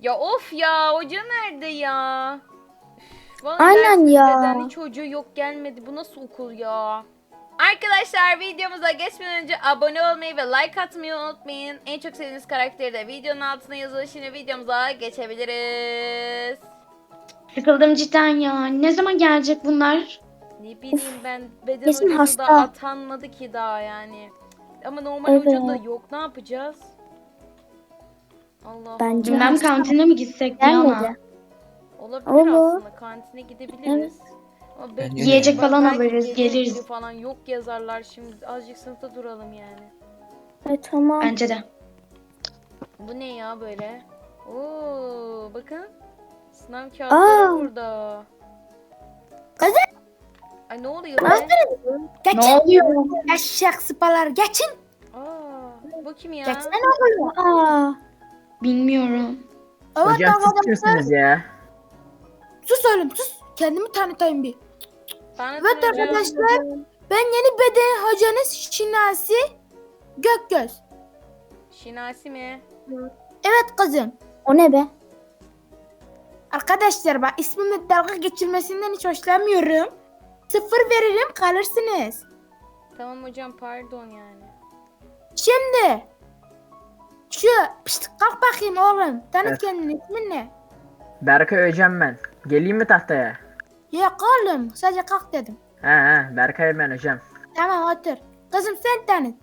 Ya of ya, hoca nerede ya? Vallahi Aynen ya. neden hiç hoca yok, gelmedi. Bu nasıl okul ya? Arkadaşlar, videomuza geçmeden önce abone olmayı ve like atmayı unutmayın. En çok sevdiğiniz karakteri de videonun altına yazın. Şimdi videomuza geçebiliriz. Sıkıldım cidden ya. Ne zaman gelecek bunlar? Ne bileyim ben, beden Kesin hocası da hasta. atanmadı ki daha yani. Ama normal Evet. hoca da yok, ne yapacağız? Allah Bence Allah. Bilmem hasta. kantine mi gitsek Diana? Gelmedi. Olabilir Olur. aslında, kantine gidebiliriz. Ama Bence Yiyecek de. falan belki alırız, gelir geliriz. biri falan, yok yazarlar, şimdi azıcık sınıfta duralım yani. Tamam. Bence de. Bu ne ya böyle? Oo, bakın. Sınav kağıtları Aa. burada. Kızım. Ay ne oluyor be? Ne oluyor? Eşek sıpalar geçin. Aa, bu kim ya? Geçsene oluyor. Aa. Bilmiyorum. Evet Hocam siz arkadaşlar. kimsiniz ya? Sus oğlum sus. Kendimi tanıtayım bir. Tanıtın Evet hocam. arkadaşlar. Ben yeni beden hocanız Şinasi Gökgöz. Şinasi mi? Evet kızım. O ne be? Arkadaşlar bak, ismimle dalga geçilmesinden hiç hoşlanmıyorum. 0 veririm, kalırsınız. Tamam hocam, pardon yani. Şimdi şu pişt, kalk bakayım oğlum. Tanıt Evet. kendini, ismin ne? Berkay hocam ben. Geleyim mi tahtaya? Yok oğlum, sadece kalk dedim. He Berkay ben hocam. Tamam otur. Kızım sen tanıt.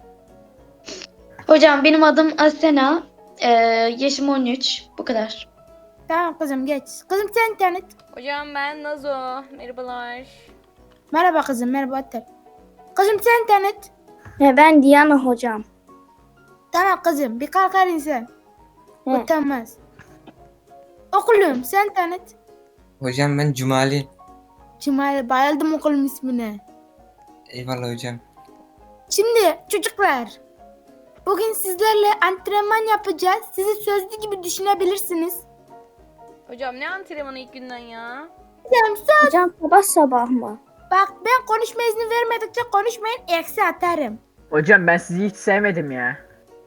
Hocam benim adım Asena. Yaşım 13. Bu kadar. Tamam kızım geç. Kızım sen tanıt. Hocam ben Nazo. Merhabalar. Merhaba kızım, merhaba otur. Kızım sen tanıt. Ben Diana hocam. Tamam kızım, bir kalkar insan. Utanmaz. Okulum sen tanıt. Hocam ben Cumali. Cumali, bayıldım okulum ismine. Eyvallah hocam. Şimdi çocuklar, bugün sizlerle antrenman yapacağız. Sizi sözlü gibi düşünebilirsiniz. Hocam ne antrenmanı ilk günden ya? Hocam söz. Hocam sabah sabah mı? Bak, ben konuşma izni vermedikçe konuşmayın, eksi atarım. Hocam ben sizi hiç sevmedim ya.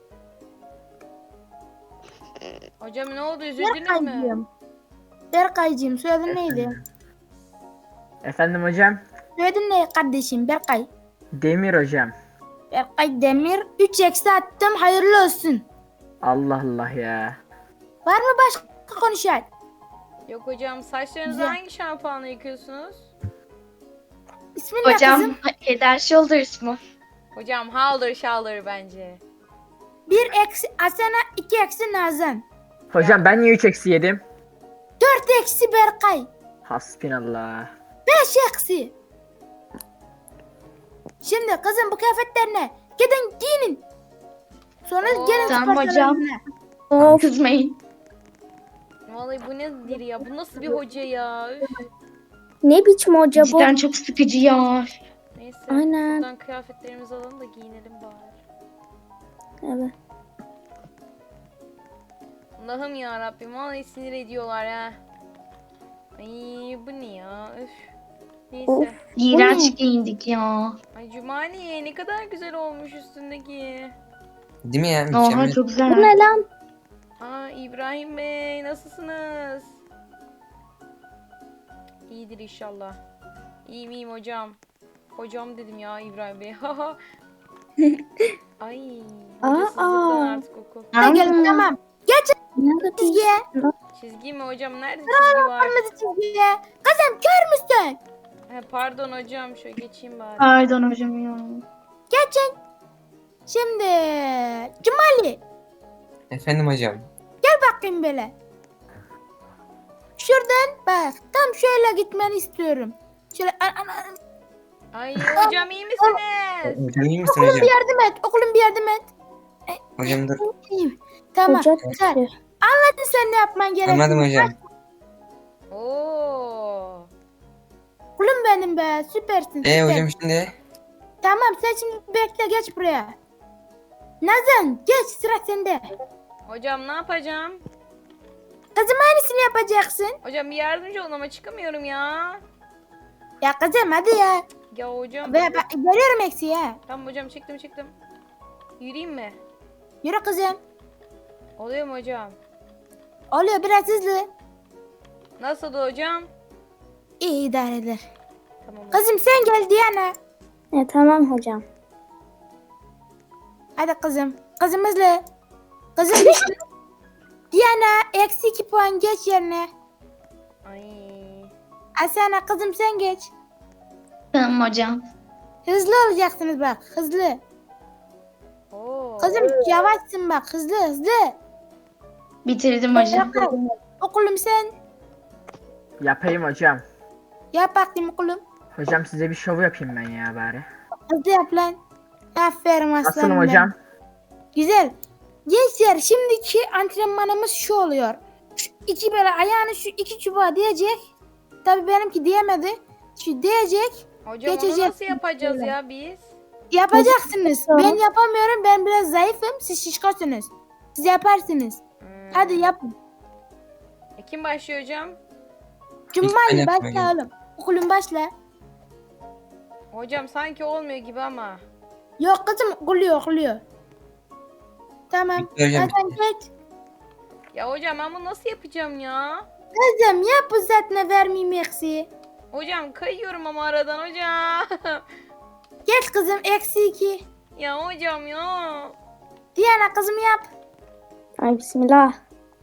Hocam ne oldu, üzüldünüz mü? Berkaycığım. Berkaycığım, soyadın neydi? Efendim hocam? Soyadın ne kardeşim, Berkay? Demir hocam. Berkay Demir. 3 eksi attım, hayırlı olsun. Allah Allah ya. Var mı başka konuşan? Yok hocam, saçlarınızı Güzel. hangi şampuanla yıkıyorsunuz? İsmin ne Hocam kızım? Head and Shoulders mu? Hocam haldır şaldır bence. 1 eksi Asena, 2 eksi Nazan. Hocam ben niye 3 eksi yedim? 4 eksi Berkay. Hasbinallah. 5 eksi. Şimdi kızım, bu kıyafetler ne? Gidin giyinin. Sonra Oo. gelin Tamam spor hocam. salonuna. Of. Kızmayın. Vallahi bu nedir ya? Bu nasıl bir hoca ya? Üf. Ne biçim hoca bu? Cidden çok sıkıcı ya. Neyse. Aynen. Buradan kıyafetlerimizi alalım da giyinelim bari. Evet. Allah'ım ya Rabbim, vallahi sinir ediyorlar ha. Ay bu ne ya? Üf. Neyse. Of. İğrenç giyindik ya. Ay Cumali, ne kadar güzel olmuş üstündeki. Değil mi ya? Oha Mükemmel. çok Bu güzel. ne lan? Aa İbrahim Bey, nasılsınız? İyidir inşallah. İyiyim iyiyim hocam. Hocam dedim ya İbrahim Bey. Haha. Ay. Hocasızlıktan artık okul. Ne gelin, tamam. Nerede Çizgiye. Çizgi mi hocam? Nerede çizgi var? Kırmızı çizgiye. Kızım kör müsün? He, pardon hocam, şöyle geçeyim bari. Pardon hocam ya. Geçin. Şimdi Cumali, Efendim hocam. bakayım böyle. Şuradan bak. Tam şöyle gitmeni istiyorum. Şöyle Ay hocam, iyi misiniz? Hocam iyi misin okulum hocam? bir yardım et. Okulum bir yardım et. Hocam dur. İyiyim. Tamam. Hoca Güzel. düştü. Hadi sen ne yapman gerekiyor? Anladım hocam. Oo. Okulum benim be. Süpersin. Süper. Hocam şimdi? Tamam, sen şimdi bekle, geç buraya. Nazan geç, sıra sende. Hocam ne yapacağım? Kızım aynısını yapacaksın. Hocam bir yardımcı olun ama çıkamıyorum ya. Ya kızım hadi ya. Ya hocam. Görüyorum eksiği ha. Tamam hocam, çıktım. Yürüyeyim mi? Yürü kızım. Oluyor mu hocam? Oluyor biraz hızlı. Nasıl hocam? İyi idare eder. Tamam. Kızım sen gel Diana. Tamam hocam. Hadi kızım. Kızım hızlı. Kızım düştü. Diana eksi 2 puan geç yerine. Ay. Asena kızım sen geç. Tamam hocam. Hızlı olacaksınız bak hızlı. Oo. Kızım yavaşsın bak hızlı hızlı. Bitirdim hocam. Bırak. Okulum sen. Yapayım hocam. Yap bakayım okulum. Hocam size bir şov yapayım ben ya bari. Hızlı yap lan. Aferin aslanım. Nasılım benim. hocam? Güzel. Gençler şimdiki antrenmanımız şu oluyor. Şu iki böyle ayağını şu iki çubuğa diyecek. Tabii benimki diyemedi. Şu diyecek. Hocam onu Geçecek. nasıl yapacağız ya biz? Yapacaksınız. Tamam. Ben yapamıyorum. Ben biraz zayıfım. Siz şişkosunuz. Siz yaparsınız. Hmm. Hadi yapın. Kim başlıyor hocam? Cumali ben başla yapmayayım. oğlum. Okulun başla. Hocam sanki olmuyor gibi ama. Yok kızım okuluyor. Tamam. Bitti hocam, Hadi bitti. geç. Ya hocam ben bunu nasıl yapacağım ya? Kızım yap uzatma vermeyeyim eksiği. Hocam kayıyorum ama aradan hocam. Geç kızım eksi 2. Ya hocam ya. Diana kızım yap. Ay bismillah.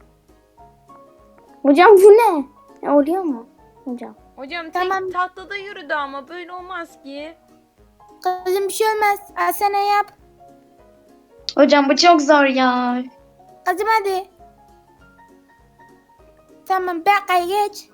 Hocam bu ne? Oluyor mu? Hocam. Hocam Tamam. tek tahtada yürüdü ama böyle olmaz ki. Kızım bir şey olmaz. Asena yap. Hocam bu çok zor ya. Kızım hadi. Tamam Berkay geç.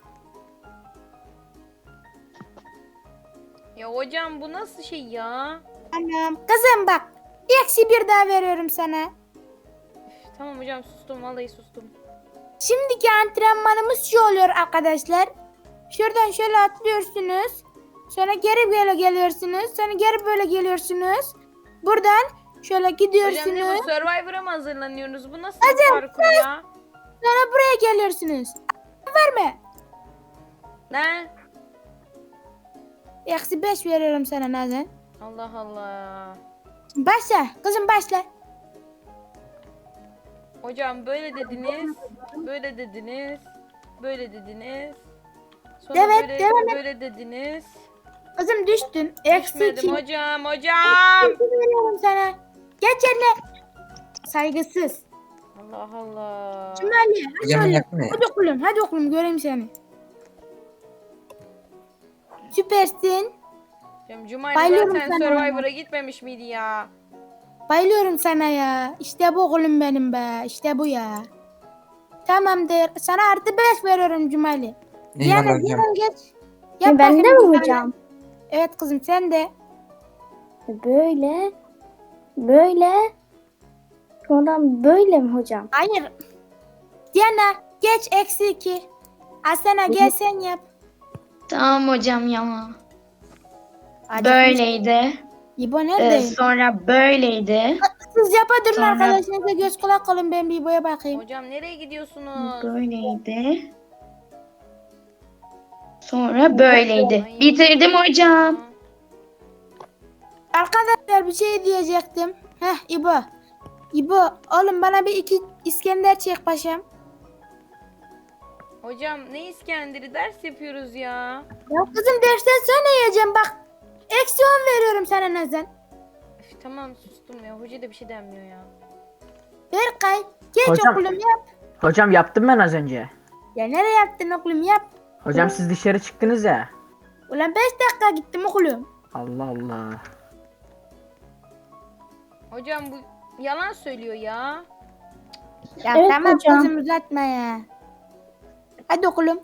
Ya hocam bu nasıl şey ya? Tamam. Kızım bak. Eksi 1 daha veriyorum sana. Üf, tamam hocam sustum vallahi sustum. Şimdiki antrenmanımız şu oluyor arkadaşlar. Şuradan şöyle atlıyorsunuz. Sonra geri böyle geliyorsunuz. Sonra geri böyle geliyorsunuz. Buradan şöyle Hocam ne gidiyorsunuz. bu Survivor'a mı hazırlanıyoruz? Bu nasıl bir parkur ya? Sonra buraya geliyorsunuz. Verme. Ne? Eksi 5 veriyorum sana Nazan. Allah Allah. Başla. Kızım başla. Hocam böyle dediniz. Böyle dediniz. Böyle dediniz. Sonra Evet, böyle, devam et. böyle dediniz. Kızım düştün. Eksi 2 Düşmedim hocam. veriyorum sana. Geç yerine. Saygısız. Allah Allah. Cumali hadi Hocam oğlum. yapma ya. Hadi okulum göreyim seni. Süpersin. Hocam Cumali Bayılıyorum zaten sana. Survivor'a gitmemiş miydi ya? Bayılıyorum sana ya. İşte bu oğlum benim be. İşte bu ya. Tamamdır. Sana artı 5 veriyorum Cumali. Eyvallah Diana hocam. Diana geç. Ben de bakayım mi Cumali. hocam? Evet kızım sen de. Böyle. Böyle. Sonradan böyle mi hocam? Hayır. Diana geç eksi 2. Asena gel sen yap. Tamam hocam ya. Hadi. Böyleydi. İbo nerede? Sonra böyleydi. Siz yapa durun Sonra- arkadaşlarınıza göz kulak olun ben bir İbo'ya bakayım. Hocam nereye gidiyorsunuz? Böyleydi. Sonra böyleydi. Bitirdim hocam. Arkadaşlar bir şey diyecektim. Heh İbo. İbo oğlum bana bir 2 İskender çek paşam. Hocam ne İskender'i ders yapıyoruz ya. Ya kızım dersten sonra yiyeceğim bak. Eksi 10 veriyorum sana Nazan. Üf, tamam sustum ya. Hoca da bir şey denmiyor ya. Berkay geç Hocam. okulum yap. Hocam yaptım ben az önce. Ya nereye yaptın okulum yap. Hocam siz dışarı çıktınız ya. Ulan 5 dakika gittim okulum. Allah Allah. Hocam bu yalan söylüyor ya. Ya Evet tamam hocam. kızım uzatma ya. Hadi okulum.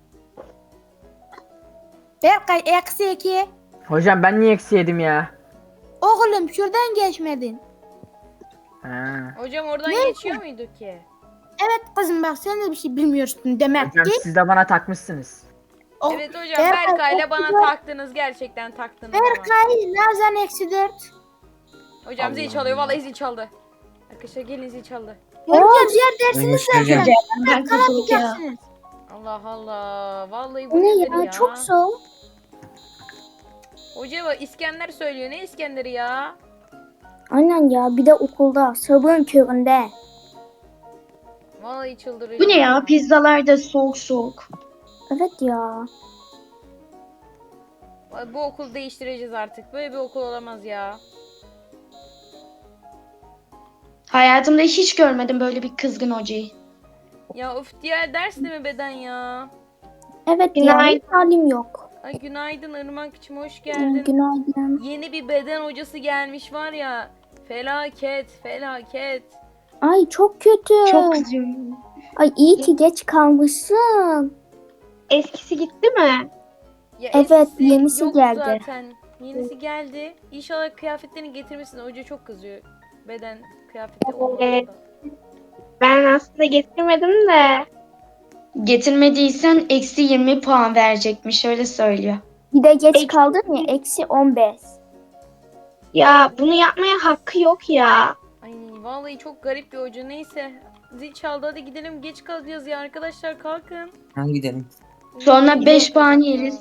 Berkay eksi 2. Hocam ben niye eksi yedim ya? Oğlum şuradan geçmedin. Ha. Hocam oradan Ne? geçiyor muydu ki? Evet kızım bak sen de bir şey bilmiyorsun demek Hocam ki. siz de bana takmışsınız. O- Evet hocam Berkay, Berkay'la bana okulda- taktınız. Gerçekten taktınız ama. Berkay Nazan eksi 4. Hocam zil Allah çalıyor. Allah. Vallahi zil çaldı. Arkadaşlar gelin zil çaldı. Göreceğiz diğer dersiniz Görüşürüz zaten. Ben kurtulduk ya. Kalamayacaksınız. Allah Allah. Vallahi bu Bu ne nedir ya? ya? Çok zor. Hoca bak İskender söylüyor. Ne İskender'i ya? Aynen ya bir de okulda sabahın köründe. Vallahi çıldıracağım. Bu ne ya? Pizzalar da soğuk soğuk. Evet ya. Ay, bu okulu değiştireceğiz artık. Böyle bir okul olamaz ya. Hayatımda hiç görmedim böyle bir kızgın hocayı. Ya of, diğer ders de mi beden ya? Evet ya. Günaydın. Hiç halim yok. Ay günaydın Irmak'cığım, hoş geldin. Günaydın. Yeni bir beden hocası gelmiş var ya. Felaket, felaket. Ay çok kötü. Çok kızıyorum. Ay iyi ki geç kalmışsın. Eskisi gitti mi? Ya Evet, eskisi yenisi yok geldi. Zaten. Yenisi geldi. İnşallah kıyafetlerini getirmişsin. Hoca çok kızıyor. Beden kıyafeti olmadığında. Ben aslında getirmedim de. Getirmediysen eksi 20 puan verecekmiş öyle söylüyor. Bir de geç Eksi- kaldın ya eksi 15. Ya bunu yapmaya hakkı yok ya. Ay vallahi çok garip bir hoca. Neyse. Zil çaldı, hadi gidelim. Geç kalacağız ya arkadaşlar, kalkın. Hadi gidelim. Sonra Uyumayın, 5 puan yapacak ya. yeriz.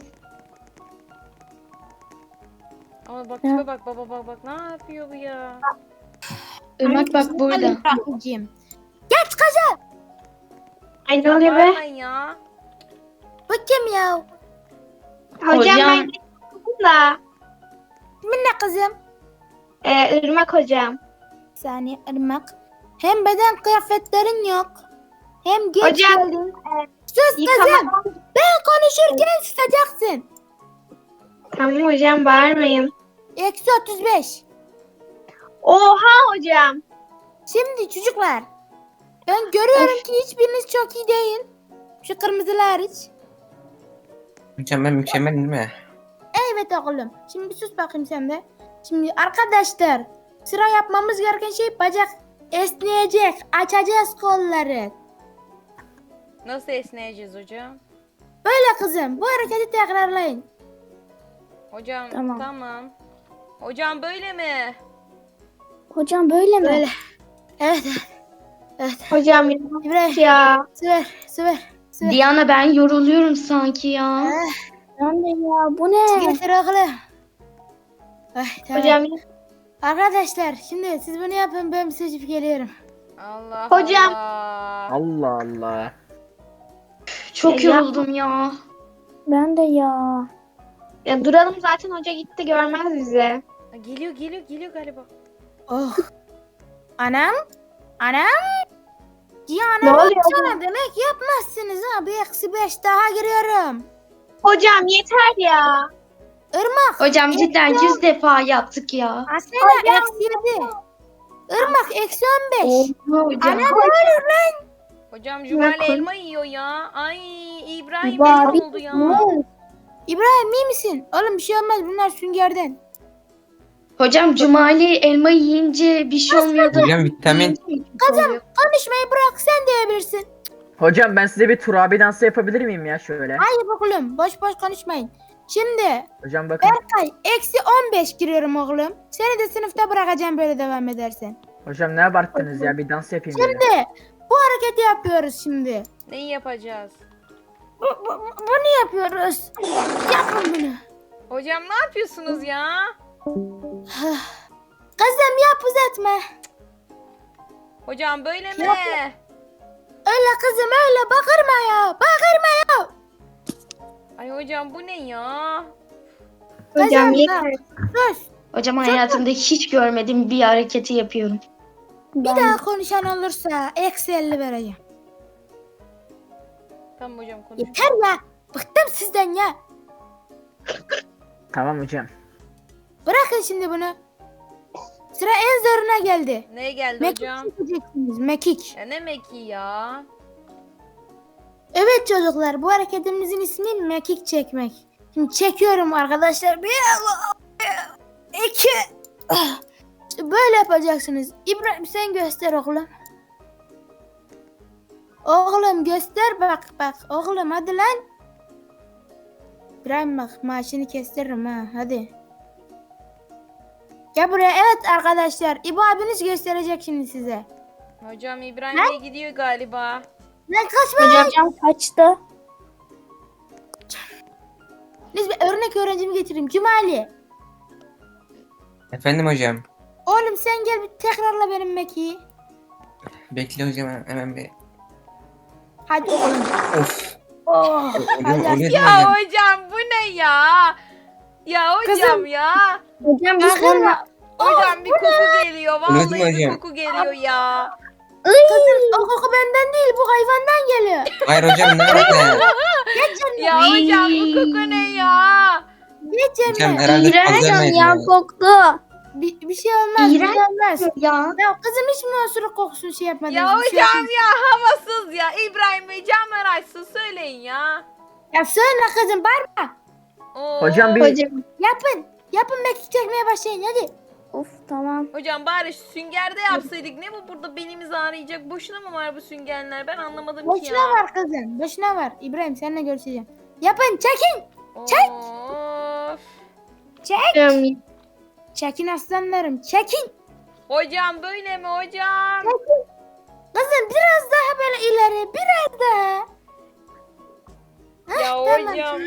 Ama bak Ya. tipe bak, baba bak bak, ne yapıyor bu ya? Irmak bak burada. İbrahim'ciğim. Geç kızım. Ay ne oluyor be? Bağırmayın ya. Bu kim ya? Hocam ben getirdim da. Kimin ne kızım? Irmak hocam. Bir saniye Irmak. Hem beden kıyafetlerin yok. Hem geç Hocam, geldin. Sus kızım. Ben konuşurken susacaksın. Tamam hocam bağırmayın. Eksi 35. Oha hocam. Şimdi çocuklar. Ben görüyorum ki hiçbiriniz çok iyi değil. Şu kırmızılar hariç. Hocam ben mükemmelim değil mi? Evet oğlum. Şimdi bir sus bakayım sen de. Şimdi arkadaşlar sıra yapmamız gereken şey bacak esneyecek. Açacağız kolları. Nasıl esneyeceğiz hocam? Böyle kızım. Bu hareketi tekrarlayın. Hocam Tamam. tamam. Hocam böyle mi? Hocam böyle mi? Böyle. Evet. Evet. Hocam İbrahim. ya. Süper. Süper. Süper. Diana ben yoruluyorum sanki ya. Ben de ya bu ne? Getir oğlum. Ay, tamam. Hocam Arkadaşlar şimdi siz bunu yapın, ben bir seçip geliyorum. Allah Hocam. Allah. Allah Allah. çok Ya. yoruldum ya. Ben de ya. Ya duralım zaten hoca gitti görmez bizi. Ha, geliyor geliyor geliyor galiba. Oh. Anam. Anam. Ya Ne anam oluyor? sana demek yapmazsınız ha. Bir eksi 5 daha giriyorum. Hocam yeter ya. Irmak. Hocam cidden 100 defa yaptık ya. Asena eksi 7. Irmak eksi 15. Hocam. Anam ne oluyor lan? Hocam Cumali koy- elma yiyor ya. Ay İbrahim Bari- benim oldu ya. İbrahim iyi misin? Oğlum bir şey olmaz, bunlar süngerden. Hocam Cumali elma yiyince bir şey olmuyordu. Hocam vitamin. Kızım konuşmayı bırak, sen diyebilirsin. Hocam ben size bir turabi dansı yapabilir miyim ya şöyle? Hayır oğlum, boş boş konuşmayın. Şimdi Hocam bakın. Berkay eksi 15 giriyorum oğlum. Seni de sınıfta bırakacağım böyle devam edersen. Hocam ne abarttınız ya, bir dans yapayım böyle. Şimdi bu hareketi yapıyoruz şimdi. Neyi yapacağız? Bunu yapıyoruz. Yapın bunu. Hocam ne yapıyorsunuz ya? Kızım yap, uzatma. Hocam böyle mi? Öyle kızım öyle, bakırma ya. Bakırma ya. Ay hocam bu ne ya? Hocam Kızım yeter. bak, sus. Hocam hayatımda hiç görmediğim bir hareketi yapıyorum. Bir daha konuşan olursa eksi 50 vereceğim. Tamam hocam konuş. Yeter ya. Bıktım sizden ya. Tamam hocam. Bırakın şimdi bunu. Sıra en zoruna geldi. Neye geldi Mekik hocam? çekeceksiniz. Mekik. Ya ne mekiği ya? Evet çocuklar, bu hareketimizin ismi mekik çekmek. Şimdi çekiyorum arkadaşlar. Bir, iki. İşte böyle yapacaksınız. İbrahim sen göster oğlum. Oğlum göster, bak bak. Oğlum hadi lan. İbrahim bak, maaşını kestiririm ha, hadi. Gel buraya. Evet arkadaşlar, İbo abiniz gösterecek şimdi size. Hocam İbrahim Bey gidiyor galiba. Lan kaçma. Hocam kaçtı. Neyse bir örnek öğrencimi getireyim. Cumali. Efendim hocam. Oğlum sen gel bir tekrarla benim mekiği. Bekle hocam hemen bir. Hadi oğlum. Of. Oh. Oluyor değil mi Ya hocam? hocam bu ne ya? Ya hocam Kızım. ya. Hocam bir Bakın. sorma. Hocam bir koku geliyor. Oluyor değil mi Vallahi bir hocam? koku geliyor ya. Kızım o koku benden değil bu hayvandan geliyor. Hayır hocam nerede? Ya hocam bu koku ne ya? Geç Hocam yerine. herhalde İğrenç fazla Hocam yemedim ya ya. koktu. Bir şey olmaz. Bir İğrenç. şey olmaz. Ya. Ya kızım hiç mi osuruk kokusunu şey yapmadınız? Ya Bir şey hocam olmaz. ya havasız ya. İbrahim Bey camlar açsın söyleyin ya. Ya söyle kızım bağırma. Oo. Hocam bir Hocam. Yapın. Yapın mekik çekmeye başlayın hadi. Of tamam. Hocam bari süngerde yapsaydık. Ne bu burada benimizi ağrıyacak? Boşuna mı var bu süngerler? Ben anlamadım ki Boşuna ya. var kızım. Boşuna var. İbrahim seninle görüşeceğim. Yapın çekin. Çek. Çek. Hocam. Çekin aslanlarım. Çekin. Hocam böyle mi hocam? Kızım biraz daha böyle ileri. Biraz daha. Ya Tamam. hocam.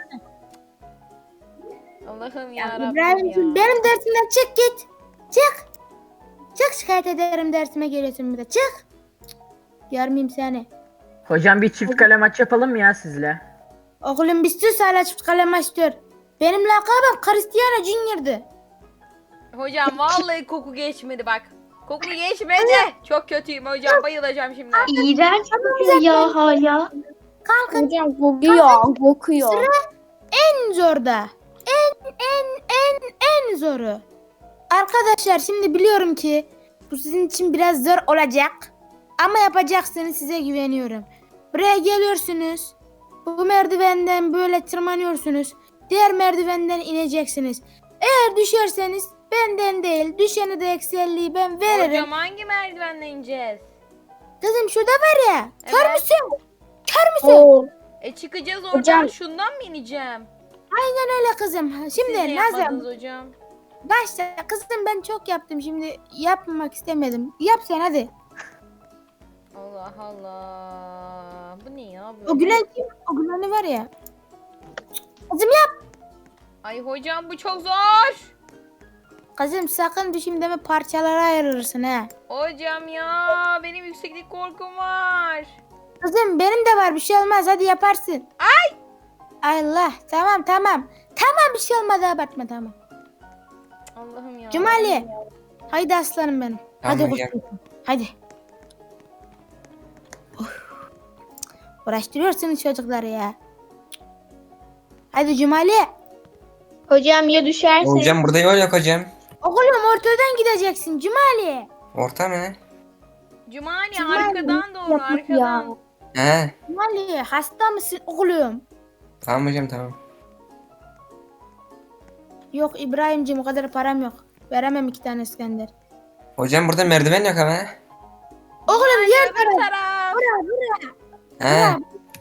Allah'ım ya, Rabbim İbrahim'cim ya. benim dersimden çık git. Çık. Çık şikayet ederim dersime geliyorsun bir de. Çık. Görmeyeyim seni. hocam bir çift kale maç yapalım mı ya sizle? Oğlum bir sus hala çift kalem açtır. Benim lakabım Cristiano Junior'dı. Hocam vallahi koku geçmedi bak. Koku geçmedi. Çok kötüyüm hocam. Bayılacağım şimdi. İğrenç kokuyor ya hala. Kalkın Hocam kokuyor. Kokuyor. en zorda. En zoru. Arkadaşlar şimdi biliyorum ki bu sizin için biraz zor olacak. Ama yapacaksınız size güveniyorum. Buraya geliyorsunuz. Bu merdivenden böyle tırmanıyorsunuz. Diğer merdivenden ineceksiniz. Eğer düşerseniz benden değil düşeni de ekselliği ben veririm. Hocam hangi merdivenle ineceğiz? Kızım şurada var ya. Kör Evet. müsün? Kör müsün? Oo. Çıkacağız oradan Hocam. şundan mı ineceğim? Aynen öyle kızım. Siz Şimdi ne Nazım yapmadınız hocam? başla. Kızım ben çok yaptım şimdi yapmamak istemedim. Yap sen hadi. Allah Allah. Bu ne ya böyle? O gülen kim? O güleni var ya. Kızım yap. Ay hocam bu çok zor. Kızım sakın düşeyim deme parçalara ayrılırsın ha. Hocam ya benim yükseklik korkum var. Kızım benim de var bir şey olmaz hadi yaparsın. Ay. Allah tamam. Tamam bir şey olmadı abartma tamam. Allah'ım ya. Cumali. Haydi aslanım benim. Tamam hadi hocam. kuzum. Hadi. Of. Uğraştırıyorsunuz çocukları ya. Hadi Cumali. Hocam ya düşerse? Hocam burada yol yok hocam. Oğlum ortadan gideceksin Cumali. Orta mı? Cumali Cumali, arkadan doğru yapma arkadan. He. Cumali hasta mısın oğlum? Tamam hocam tamam. Yok İbrahim'cim o kadar param yok. Veremem 2 tane İskender. Hocam burada merdiven yok ama. Oğlum yer Öbür taraf. He.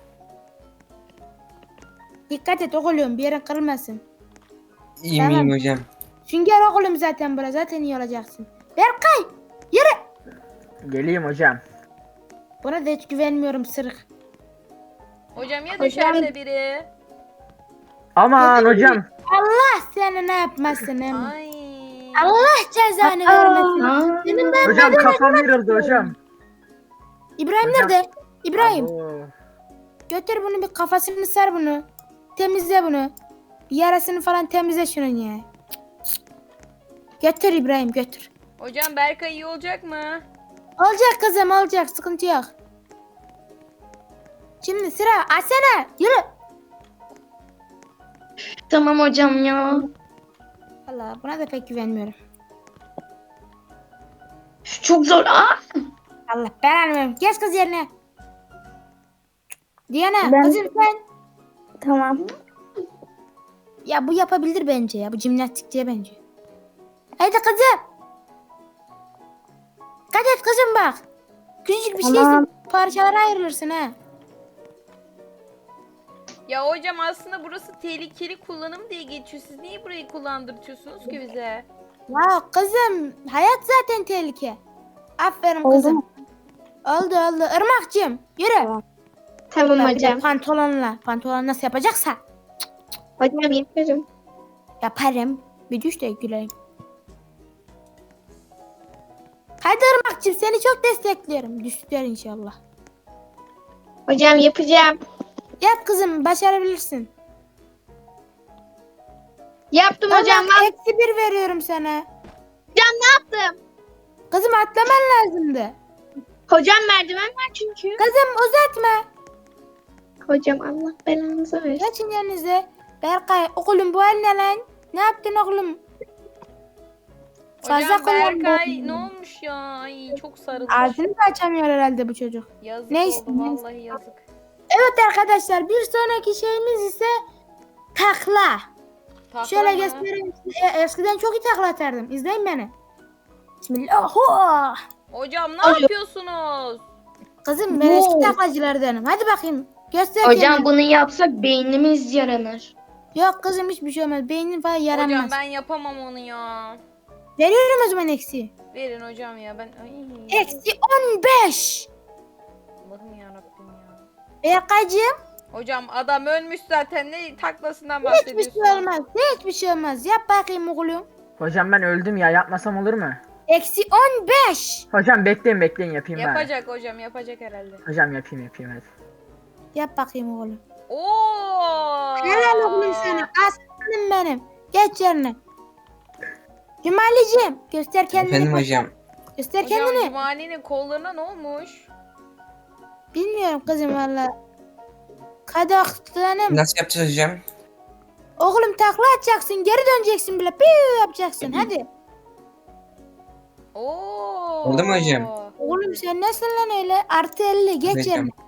Dikkat et oğlum bir yerin kırılmasın. İyiyim Tamam. iyiyim hocam. Sünger oğlum zaten bura zaten iyi olacaksın. Berkay yürü. Geleyim hocam. Buna da hiç güvenmiyorum sırık. Hocam ya düşerse biri. Aman hocam. Allah seni ne yapmasın hem. Ay. Allah cezanı vermesin. Aa. Senin ben Hocam kafam yarıldı hocam. İbrahim Hocam. nerede? İbrahim Oo. götür bunu bir kafasını sar bunu. Temizle bunu. Bir yarasını falan temizle şunun ya. Götür İbrahim götür. Hocam Berkay iyi olacak mı? Olacak kızım olacak sıkıntı yok. Şimdi sıra Asena yürü. Tamam hocam ya. Allah buna da pek güvenmiyorum. Çok zor. Aa. Allah belanı versin. Geç kız yerine. Diana Ben- kızım sen. Tamam. Ya bu yapabilir bence ya. Bu jimnastikçiye bence. Haydi kızım. Dikkat et kızım bak. Küçücük bir Tamam. şeysin. Parçalara ayrılırsın ha. Ya hocam aslında burası tehlikeli kullanım diye geçiyor. Siz niye burayı kullandırtıyorsunuz ki bize? Ya kızım hayat zaten tehlike. Aferin Oldu kızım. mu? Oldu. Irmak'cığım yürü. Tamam. Tamam Bir de hocam. Pantolonla. Pantolon nasıl yapacaksa. Hocam yaparım. Yaparım. Bir düş de güleyim. Hadi Irmak'cığım seni çok destekliyorum. Düştüler inşallah. Hocam yapacağım. Yap kızım, başarabilirsin. Yaptım Tamam, hocam. eksi 1 veriyorum sana. Yaptım. Kızım atlaman lazımdı. Hocam merdiven var çünkü. Kızım uzatma. Hocam Allah belanızı versin. Geçin yerinize. Berkay oğlum bu hal ne lan? Ne yaptın oğlum? Fazla Hocam kullandın. Berkay ne olmuş ya? Ay çok sarılmış. Ağzını da açamıyor herhalde bu çocuk. Yazık Neyse, oldu neyse. vallahi yazık. Evet arkadaşlar, bir sonraki şeyimiz ise takla. Takla Şöyle mı? göstereyim size. Eskiden çok iyi takla atardım. İzleyin beni. Bismillah. Ho! Hocam ne yapıyorsunuz? Kızım ben eski taklacılardanım. Hadi bakayım. Göster Hocam kendini. bunu yapsak beynimiz yaranır. Yok kızım hiçbir şey olmaz. Beynin falan yaranmaz. Hocam ben yapamam onu ya. Veriyorum o zaman eksi. Verin hocam ya ben. Ay. Eksi 15. Allah'ım yarabbim ya. Berkaycığım Hocam adam ölmüş zaten ne taklasından hiçbir bahsediyorsun? şey olmaz. Hiçbir şey olmaz. Yap bakayım oğlum. Hocam ben öldüm ya, yapmasam olur mu? Eksi 15. Hocam bekleyin yapayım ben. Yapacak hocam yapacak herhalde. Hocam yapayım hadi. Yap bakayım oğlum. Oo. Helal oğlum sana. Aslanım benim. Geç yerine. Cumali'cim göster kendini. Efendim hocam. Göster Hocam kendini. Cumali'nin kollarına ne olmuş? Bilmiyorum kızım valla. Kadaklanım. Nasıl yapacağız hocam? Oğlum takla atacaksın. Geri döneceksin bile. Piu yapacaksın. Hadi. Oo. Oldu mu hocam? Oğlum sen nesin lan öyle? Artı 50. Geç Hocam. yerine.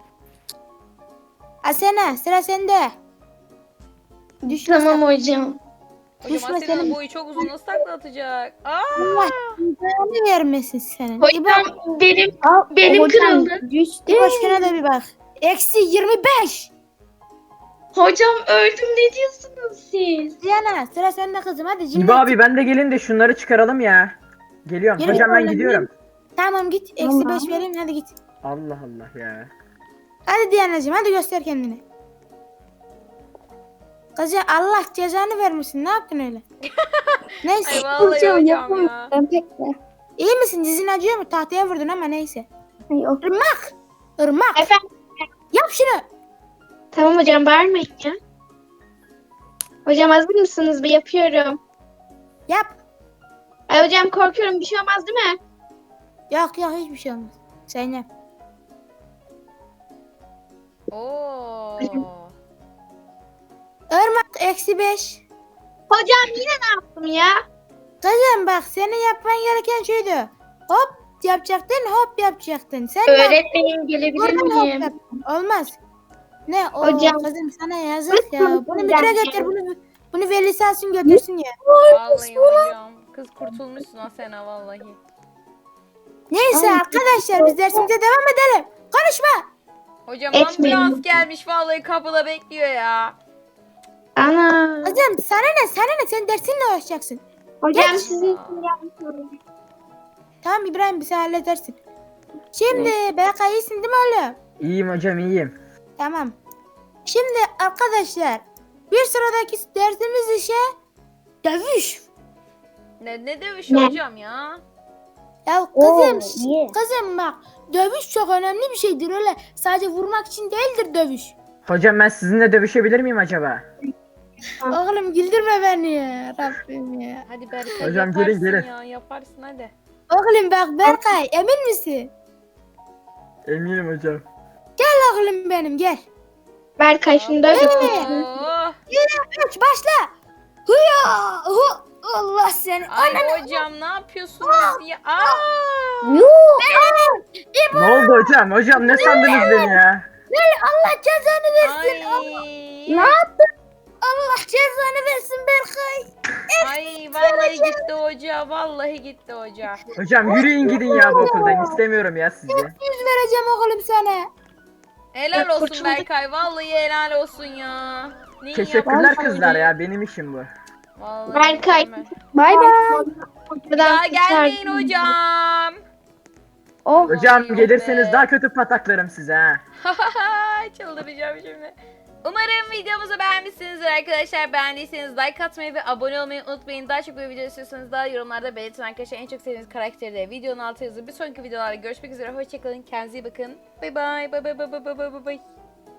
Asena sıra sende. Düşme Tamam hocam. Hocam Düşme Asena'nın senin. boyu çok uzun nasıl takla atacak? Aa. Allah belanı vermesin senin. Hocam İbo, benim Hocam kırıldı. düştü. boşuna da bir bak. Eksi 25. Hocam öldüm, ne diyorsunuz siz? Diana sıra sende kızım. Hadi İbo cimri. abi ben de gelin de şunları çıkaralım ya. Geliyorum. Yürü Hocam ben oğlum, gidiyorum. Tamam git. Eksi Tamam. 5 vereyim. Hadi git. Allah Allah ya. Hadi Diana'cığım hadi göster kendini. Kızım Allah cezanı vermesin. Ne yaptın öyle? Neyse. Ay vallahi Hocam hocam ya. yapamıyorum pek de. İyi misin? Dizin acıyor mu? Tahtaya vurdun ama neyse. Yok. Irmak. Irmak. Efendim? Yap şunu. Tamam hocam, bağırmayın ya. Hocam hazır mısınız? Bir yapıyorum. Yap. Ay hocam korkuyorum, bir şey olmaz değil mi? Yok yok hiçbir şey olmaz. Sen yap. Oo. Irmak eksi 5. Hocam yine ne yaptım ya? Kızım bak senin yapman gereken şuydu. Hop yapacaktın hop yapacaktın. Sen ne yaptın? Öğretmenim gelebilir Buradan hop miyim? yaptın. Olmaz. Ne o Hocam. kızım sana yazık ya. Lütfen Bunu müdüre hocam. götür. Bunu velisi alsın götürsün ya. Vallahi hocam. Kız kurtulmuşsun Asena vallahi. Neyse arkadaşlar biz dersimize devam edelim. Konuşma. Hocam Etmeyin. ambulans gelmiş vallahi kapıda bekliyor ya. Ana. Kızım sana ne sen dersinle uğraşacaksın. Hocam Geç. sizin için yapmışım. Tamam İbrahim bizi halledersin. Şimdi Berkay iyisin değil mi oğlum? İyiyim hocam iyiyim. Tamam. Şimdi arkadaşlar bir sıradaki dersimiz ise dövüş. Ne dövüşü hocam ya? Ya Oo, kızım, iyi. kızım bak dövüş çok önemli bir şeydir öyle sadece vurmak için değildir dövüş. Hocam ben sizinle dövüşebilir miyim acaba? Oğlum güldürme beni ya Rabbim ya. Hadi Berkay Hocam, yaparsın gelin. ya yaparsın hadi. Oğlum bak Berkay emin misin? Eminim hocam. Gel oğlum benim gel. Berkay şunu da öyle. Oh. 3 başla. Hıya. Allah seni. Ay hocam ne yapıyorsunuz ya? Aa! Yok. Ne oldu hocam? Hocam ne sandınız beni ya? Allah cezanı versin. Ay. Ne yaptın? Allah cezanı versin Berkay. Ay vallahi gitti hoca. Vallahi gitti hoca. Hocam yürüyün gidin ya bu okuldan. İstemiyorum ya sizi. 100 vereceğim oğlum sana. Helal Ya olsun kurtulduk. Berkay. Vallahi helal olsun ya. Neyi Teşekkürler yaptın kızlar öyle? ya. Benim işim bu. Vallahi Berkay. mükemmel. Bay bay. Daha gelmeyin hocam. Oh. Hocam Ay, gelirseniz be. daha kötü pataklarım size ha. Çıldıracağım şimdi. Umarım videomuzu beğenmişsinizdir arkadaşlar. Beğendiyseniz like atmayı ve abone olmayı unutmayın. Daha çok böyle video istiyorsanız da yorumlarda belirtin arkadaşlar. En çok sevdiğiniz karakteri de videonun altına yazın. Bir sonraki videolarda görüşmek üzere. Hoşçakalın. Kendinize iyi bakın. Bay bay. Bay bay bay bay bay bay bay.